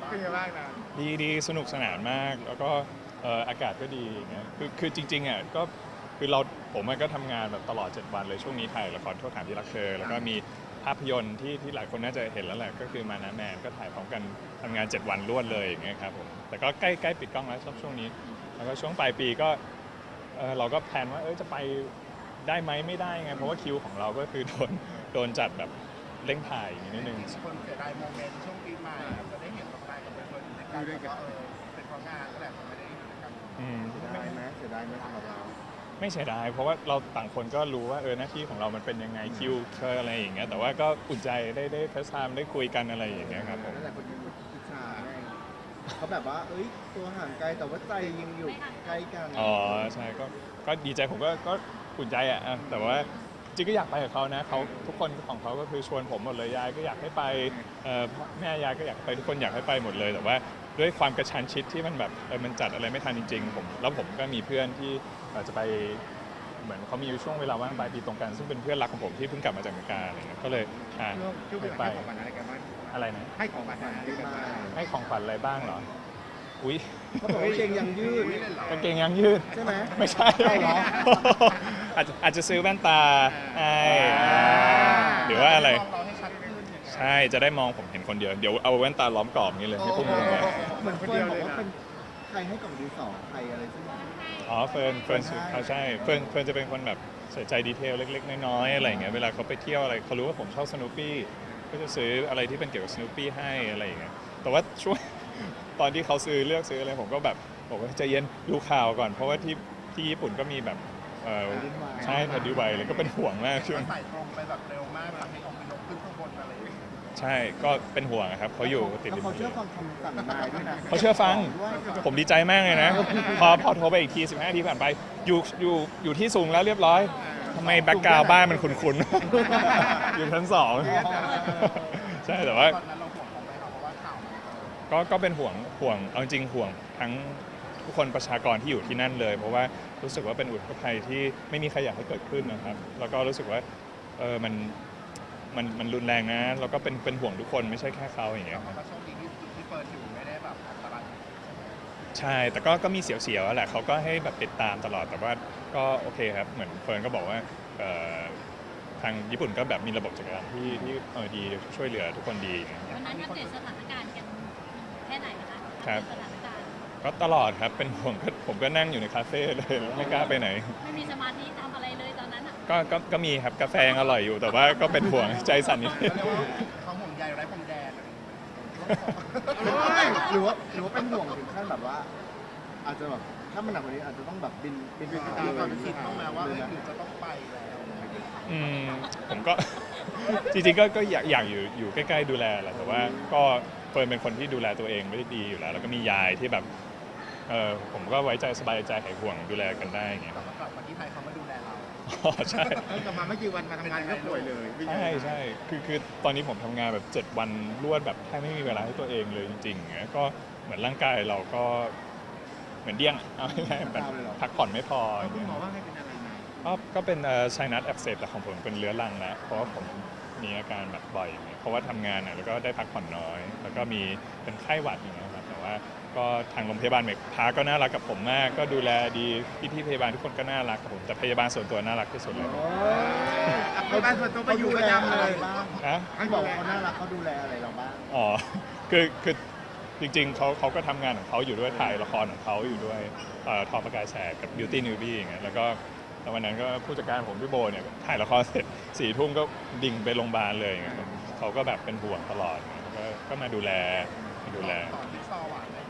เป็นไงบ้างนะดีสนุกสนานมากแล้วก็อากาศก็ดีอย่างเงี้ยคือจริงๆอ่ะก็คือผมก็ทำงานแบบตลอด7 วันเลยช่วงนี้ถ่ายละครโทษฐานที่รักเธอแล้วก็มีภาพยนตร์ที่หลายคนน่าจะเห็นแล้วแหละก็คือมานะแมนก็ถ่ายพร้อมกันทำงาน7 วันรวดเลยอย่างเงี้ยครับผมแต่ก็ใกล้ปิดกล้องแล้วช่วงนี้แล้วก็ช่วงปลายปีก็เราก็แพลนว่าจะไปได้ไหมไม่ได้ไงเพราะว่าคิวของเราก็คือโดนจัดแบบเร่งถ่ายอย่างนี้นิดนึงคนเสียดายโมเมนต์ช่วงปีใหม่จะได้เห็นต่อไปกับเป็นคนในการแบบว่าเป็นเพราะงานก็แหละไม่ได้อยู่ด้วยกันเสียดายไหมเสียดายไหมสำหรับเราไม่เสียดายเพราะว่าเราต่างคนก็รู้ว่าหน้าที่ของเรามันเป็นยังไงคิวอะไรอย่างเงี้ยแต่ว่าก็อุ่นใจได้เฟซไทม์ได้คุยกันอะไรอย่างเงี้ยครับผมนั่นแหละคนที่อิจฉาไงเขาแบบว่าตัวห่างไกลแต่ว่าใจยังอยู่ใกล้กันอ๋อใช่ก็ดีใจผมก็อุ่นใจอ่ะแต่ว่าจริงก็อยากไปกับเขานะเขาทุกคนของเขาก็คือชวนผมหมดเลยยายก็อยากให้ไปแม่ยายก็อยากไปทุกคนอยากให้ไปหมดเลยแต่ว่าด้วยความกระชั้นชิดที่มันแบบมันจัดอะไรไม่ทันจริงๆผมก็มีเพื่อนที่จะไปเหมือนเขามีช่วงเวลาว่างปลายปีตรงกันซึ่งเป็นเพื่อนรักของผมที่เพิ่งกลับมาจากอเมริกาอะไรเงี้ยก็เลยช่วงปีใหม่ให้ของขวัญอะไรกันบ้างอะไรนะให้ของขวัญอะไรกันบ้างให้ของขวัญอะไรบ้างเหรออุ้ยเขาบอกว่ากางเกงยังยืดกางเกงยางยืดใช่ไหมไม่ใช่ใช่เหรออาจจะซื้อแว่นตาให้หรือว่าอะไรเราให้ชัดขึ้นใช่จะได้มองผมเห็นคนเดียวเดี๋ยวเอาแว่นตาล้อมกรอบนี้เลยให้พวกมึงไงเหมือนเฟิร์นบอกว่าเป็นใครให้กล่องดินสอใครอะไรสักอย่างอ๋อเฟิร์นเขาใช่เฟิร์นจะเป็นคนแบบใส่ใจดีเทลเล็กๆน้อยๆอะไรอย่างเงี้ยเวลาเขาไปเที่ยวอะไรเขารู้ว่าผมชอบสโนว์ปี้ก็จะซื้ออะไรที่เป็นเกี่ยวกับสโนว์ปี้ให้อะไรอย่างเงี้ยแต่ว่าช่วง ตอนที่เขาเลือกซื้ออะไรผมก็แบบบอกว่าใจเย็นดูข่าวก่อนเพราะว่าที่ญี่ปุ่นก็มีแบบใช่แผ่นดินไหวเลยก็เป็นห่วงมากช่วงใส่ตรงไปแบบเร็วมากแบบให้ออกไปยกขึ้นข้างบนอะไรอย่างเงี้ยใช่ก็เป็นห่วงครับเขาอยู่ติดริมเขาทะเลเชื่อฟังคำสั่งนายด้วยนะเขาเชื่อฟังด้วยผมดีใจมากเลยนะ พอโทรไปอีกที15 นาทีผ่านไปอยู่ที่สูงแล้วเรียบร้อยทำไมแบ็กกราวด์บ้านมันคุ้นๆ อยู่ชั้น2ใช่แต่ว่าตอนนั้นเราห่วงเขาไหมครับเพราะว่าข่าวมันก็เป็นห่วงเอาจริงห่วงทั้งทุกคนประชากรที่อยู่ที่นั่นเลย เพราะว่ารู้สึกว่าเป็นอุทกภัยที่ไม่มีใครอยากให้เกิดขึ้นนะครับ แล้วก็รู้สึกว่ามันรุนแรงนะแล้วก็เป็นห่วงทุกคนไม่ใช่แค่เขาอย่างเงี้ยครับก็โชคดีที่เปิดอยู่ไม่ได้แบบอันตรายใช่แต่ก็มีเสียวๆแหละเขาก็ให้แบบติดตามตลอดแต่ว่าก็โอเคครับเหมือนเฟิร์นก็บอกว่าทางญี่ปุ่นก็แบบมีระบบจัดการที่ดีช่วยเหลือทุกคนดีอย่างเงี้ยวันนั้นอัปเดตสถานการณ์กันแค่ไหนนะคะครับสถานการณ์ก็ตลอดครับเป็นห่วงผมก็นั่งอยู่ในคาเฟ่เลยไม่กล้าไปไหนไม่มีสมาธิทำอะไรเลยตอนนั้นอ่ะก็มีครับกาแฟยังอร่อยอยู่แต่ว่าก็เป็นห่วงใจสั่นนิดเขาเรียกว่าเขาห่วงใยไร้พรมแดนอะไรอย่างเงี้ยหรือว่าเป็นห่วงถึงขั้นแบบว่า อาจจะแบบถ้ามันหนักกว่านี้อาจจะต้องแบบบินไปมีหาความคิดบ้างไหมว่าหรือจะต้องไปแล้วผมก็ จริงๆก็อยากอยู่ใกล้ๆดูแลแหละแต่ว่าก็เฟิร์นเป็นคนที่ดูแลตัวเองไม่ได้ดีอยู่แล้วแล้วก็มียายที่แบบผมก็ไว้ใจสบายใจหายห่วงดูแลกันได้อย่างเงี้ยกลับมาที่ไทยเขามาดูแลเราอ๋อใช่กลับมาไม่กี่วันมาทำงานก็ป่วยเลยใช่คือตอนนี้ผมทำงานแบบ7 วันรวดแบบแทบไม่มีเวลาให้ตัวเองเลยจริงๆอย่างเงี้ยก็เหมือนร่างกายเราก็เหมือนเดี้ยงเอาง่ายๆแบบพักผ่อนไม่พออย่างคุณเงี้ยหมอว่าให้เป็นอะไรนะก็เป็นไซนัสอักเสบแต่ของผมเป็นเรื้อรังแล้วเพราะว่าผมมีอาการแบบบ่อยอย่างเงี้ยเพราะว่าทำงานแล้วก็ได้พักผ่อนน้อย แล้วก็มีเป็นไข้หวัดอย่างเงี้ยครับแต่ว่าก็ทางโรงพยาบาลเมกพาก็น่ารักกับผมมากก็ดูแลดีพี่พยาบาลทุกคนก็น่ารักกับผมแต่พยาบาลส่วนตัวน่ารักที่สุดเลยไปบ้านส่วนตัวไปอยู่ประจำเลยบ้างนะให้บอกว่าเขาน่ารักเขาดูแลอะไรเราบ้างอ๋อคือจริงๆเขาก็ทำงานของเขาอยู่ด้วยถ่ายละครของเขาอยู่ด้วยทอประกายแสกกับ Beauty Newbie อย่างเงี้ยแล้วก็วันนั้นก็ผู้จัดการผมพี่โบเนี่ยถ่ายละครเสร็จ4 ทุ่มก็ดิ่งไปโรงพยาบาลเลยอย่างเงี้ยเขาก็แบบเป็นห่วงตลอดก็มาดูแลต่อที่ซอหวานเลย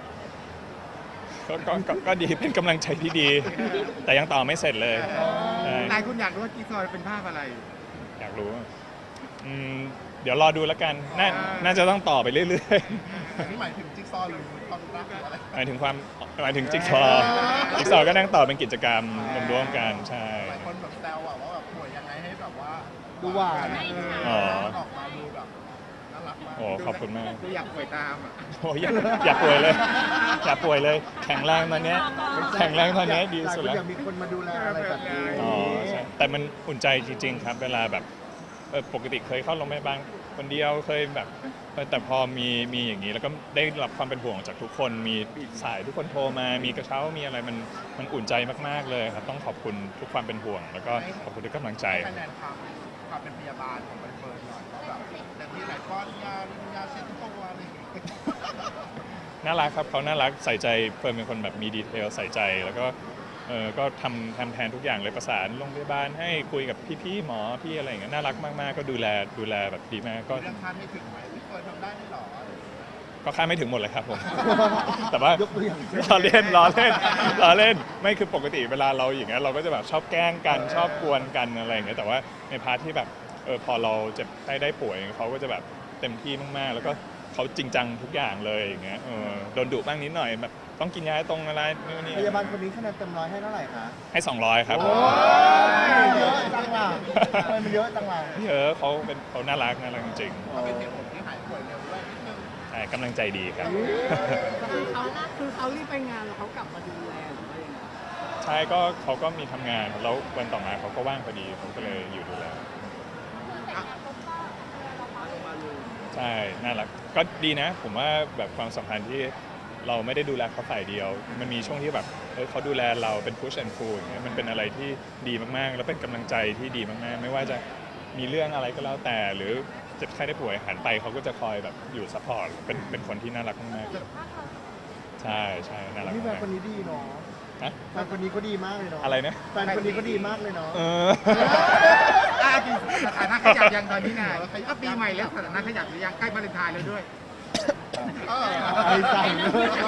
ก็ดีเป็นกำลังใจที่ดี แต่ยังต่อไม่เสร็จเลยใช่นายคุณอยากรู้ว่ากิ๊กซอยเป็นภาพอะไรอยากรู้เดี๋ยวรอดูแล้วกันน่าจะต้องต่อไปเรื่อยอันนี้หมายถึงจิ๊กซอหรือความรักหรืออะไรๆหมายถึงจิ๊กซอว์ก็นั่งต่อเป็นกิจกรรมร่วมๆกันใช่หลายคนแบบแซวอะว่าแบบป่วยยังไงให้แบบว่าดูหวานอ๋อออกมาดูแบบน่ารักมากโอ้ขอบคุณมากดูอยากป่วยตามอ่ะโอ้อย่าป่วยเลยอย่าป่วยเลยแข็งแรงตอนเนี้ยแข็งแรงตอนเนี้ยดีสุดแล้วอยากมีคนมาดูแลอะไรแบบนี้อ๋อใช่แต่มันอุ่นใจจริงๆครับเวลาแบบปกติเคยเข้าโรงพยาบาลคนเดียวเคยแบบแต่พอมีอย่างนี้แล้วก็ได้รับความเป็นห่วงจากทุกคนมีสายทุกคนโทรมามีกระเช้ามีอะไรมันอุ่นใจมากๆเลยครับต้องขอบคุณทุกความเป็นห่วง แล้วก็ขอบคุณทุกกำลังใจคะแนนความเป็นพยาบาลของใบเฟิร์นหน่อยว่าแบบแต่ที่หลายก้อนยาเช็ดตัวอะไรอย่างเงี้ยน่ารักครับเขาน่ารักใส่ใจเฟิร์นเป็นคนแบบมีดีเทลใส่ใจแล้วก็ก็ทำแทนทุกอย่างเลยประสานโรงพยาบาลให้คุยกับพี่หมอพี่อะไรอย่างเงี้ยน่ารักมากๆก็ดูแลแบบดีมากก็เรื่องคาดไม่ถึงไหมพี่เฟิร์นทำได้ไม่หรอก็คาดไม่ถึงหมดเลยครับผม แต่ว่ายกตัวอย่างเช่นล้อเล่นไม่คือปกติเวลาเราอย่างเงี้ยเราก็จะแบบชอบแกล้งกันชอบกวนกันอะไรอย่างเงี้ยแต่ว่าในพาร์ทที่แบบพอเราเจ็บได้ป่วยเขาก็จะแบบเต็มที่มากๆแล้วก็เขาจริงจังทุกอย่างเลยอย่างเงี้ยโดนดุบ้างนิดหน่อยแบบต้องกินยาตรงอะไรนู่นนี่พยาบาลคนนี้คะแนนเต็มร้อยให้เท่าไหร่คะให้200ครับผมโอ้ยเยอะจังล่ะทำไมมันเยอะจังล่ะเขาน่ารักจริงเขาเป็นเหตุผลที่หายป่วยเร็วด้วยนิดนึงๆใช่กำลังใจดีครับเขารีบไปงานแล้วเขากลับมาดูแลหรือว่ายังไงใช่ก็เขาก็มีทำงานแล้ววันต่อมาเขาก็ว่างพอดีผมก็เลยอยู่ดูแลใช่น่ารักก็ดีนะ ผมว่าแบบความสัมพันธ์ที่เราไม่ได้ดูแลเขาฝ่ายเดียว มันมีช่วงที่แบบเขาดูแลเราเป็น push and pull อย่างเงี้ยมันเป็นอะไรที่ดีมากๆ แล้วเป็นกำลังใจที่ดีมากๆ ไม่ว่าจะมีเรื่องอะไรก็แล้วแต่ หรือเจ็บไข้ได้ป่วยหันไปเขาก็จะคอยแบบอยู่ซัพพอร์ตเป็นคนที่น่ารักมากๆใช่น่ารักนี่แฟนมากคนนี้ดีเนาะๆนะแฟนคนนี้ก็ดีมากเลยเนาะอะไรนะแฟนคนนี้ก็ดีมากเลยเนาะจริงสถานะขยับยังตอนนี้ไงก็ปีใหม่แล้วสถานะขยับหรือยังใกล้วาเลนไทน์แล้วด้วยไอ้สั่ง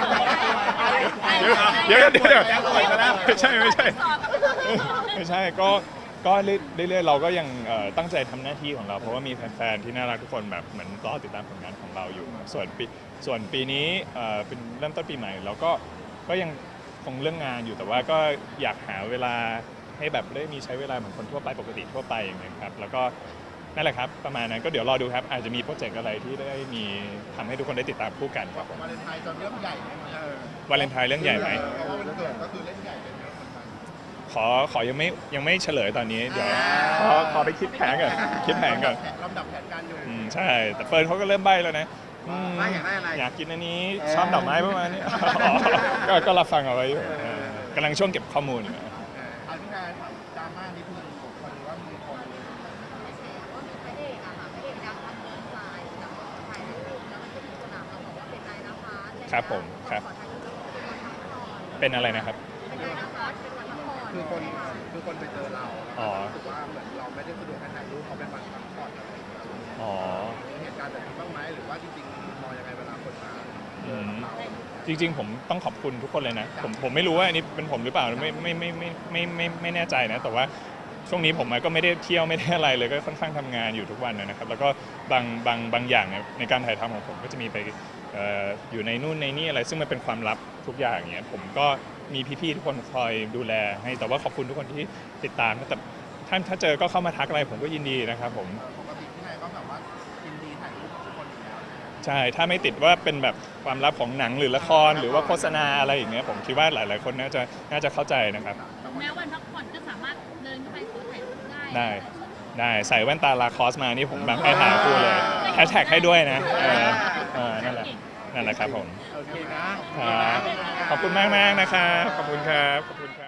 เดี๋ยวไม่ใช่ก็เรื่อยๆเราก็ยังตั้งใจทำหน้าที่ของเราเพราะว่ามีแฟนๆที่น่ารักทุกคนแบบเหมือนรอติดตามผลงานของเราอยู่ส่วนปีนี้เป็นเริ่มต้นปีใหม่เราก็ยังคงเรื่องงานอยู่แต่ว่าก็อยากหาเวลาให้แบบได้มีใช้เวลาเหมือนคนทั่วไปปกติทั่วไปอย่างเงี้ยครับแล้วก็นั่นแหละครับประมาณนั้นก็เดี๋ยวรอดูครับอาจจะมีโปรเจกต์อะไรที่ได้มีทำให้ทุกคนได้ติดตามคู่กันครับผมวาเลนไทน์จะเรื่องใหญ่ไหมวาเลนไทน์เรื่องใหญ่ไหมเพราะว่าวันเกิดก็คือเล่นใหญ่กันเยอะเหมือนกันขอยังไม่เฉลยตอนนี้เดี๋ยวขอไปคิดแผนก่อนลำดับแผนการอยู่ใช่แต่เฟิร์นเขาก็เริ่มใบ้แล้วนะว่าอยากได้อะไรอยากกินอันนี้ชอบดอกไม้ประมาณนี้ ก็รับฟังเอาไว้อยู่กำลังช่วงเก็บข้อมูลอยู่เอาที่งานดราม่านิดนึงคนว่ามีคนครับผมครับเป็นอะไรนะครับคือคนไปเจอเราอ๋อรู้สึกว่าเหมือนเราไม่ได้สะดวกให้ถ่ายรูปเขาเป็นวันพักผ่อนอะไรอย่างเงี้ยอ๋อมีเหตุการณ์แบบนี้บ้างไหมหรือว่าจริงๆมองยังไงเวลาคนมาเจอเราจริงๆผมต้องขอบคุณทุกคนเลยนะผมไม่รู้ว่าอันนี้เป็นผมหรือเปล่าไม่แน่ใจนะแต่ว่าช่วงนี้ผมก็ไม่ได้เที่ยวไม่ได้อะไรเลยก็ค่อนข้างทำงานอยู่ทุกวันนะครับแล้วก็บางอย่างในการถ่ายทำของผมก็จะมีไปอยู่ในนู่นในนี่อะไรซึ่งมันเป็นความลับทุกอย่างอย่างเงี้ยผมก็มีพี่ๆทุกคนคอยดูแลให้แต่ว่าขอบคุณทุกคนที่ติดตามนะแต่ถ้าเจอก็เข้ามาทักอะไรผมก็ยินดีนะครับผมปกติที่ไหนก็แบบว่ายินดีถ่ายรูปกับทุกคนอยู่แล้วใช่ถ้าไม่ติดว่าเป็นแบบความลับของหนังหรือละครหรือว่าโฆษณาอะไรอย่างเงี้ยผมคิดว่าหลายๆคนน่าจะเข้าใจนะครับแม้วันพักผ่อนก็สามารถเดินเข้าไปขอถ่ายรูปได้ได้ใส่แว่นตาลาคอสมานี่ผมแบบให้ถ่ายคู่เลยแฮชแท็กให้ด้วยนะนั่นแหละครับผมโอเคนะครับขอบคุณมากนะครับขอบคุณครับ